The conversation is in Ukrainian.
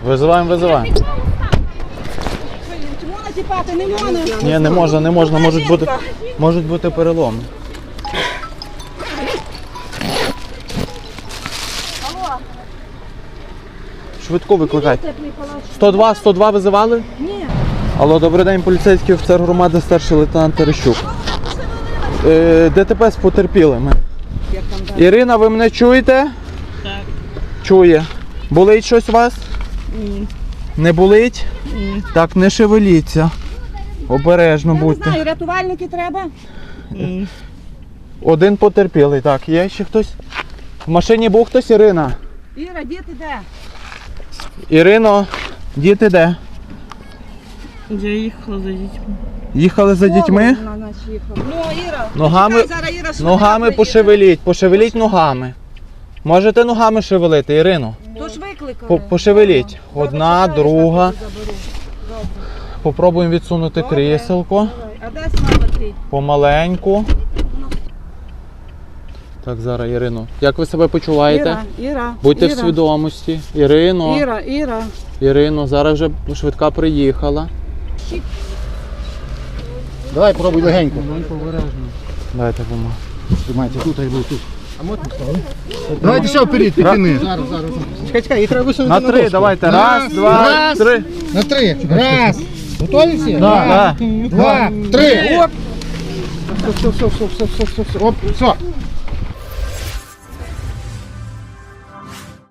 Визиваємо, визиваємо. Чому натіпати? Не можна. Ні, не можна. Можуть бути переломи. Швидко викликайте. 102 визивали? Ні. Алло, добрий день, поліцейський офіцер громади, старший лейтенант Терещук. ДТП з потерпілими. Ірина, ви мене чуєте? Так. Чує. Болить щось у вас? Ні. Не болить? Ні. Так, не шевеліться. Обережно Я не будьте. знаю, рятувальники треба? Ні. Один потерпілий. Так, є ще хтось? В машині був хтось, Ірина? Іра, діти де? Ірино, діти де? Я їхала за дітьми. Їхали за дітьми? Вона нас їхала. Ну, Іра. Ногами, Чекай, зараз Іра швидко ногами приїде. пошевеліть ногами. Можете ногами шевелити, Ірино? То ж викликали. Пошевеліть. Одна, Добре, друга. заберу. Добре. Попробуємо відсунути Добре. кріселко. А де мама твій? Помаленьку. Так, зараз, Ірино. Як ви себе почуваєте? Іра. Будьте в свідомості. Ірино. Ірино, зараз вже швидка приїхала. Давай пробуй легенько. Дайте бумагу. Тримайте, тут, я буду тут. Давайте ще вперед, підтяни. Зараз. Чекай, їх треба висунути На на 3, дошку. давайте. Раз, два, три. На 3. Раз. Готові всі? Да. 2, 3. Оп. Все. Оп, все.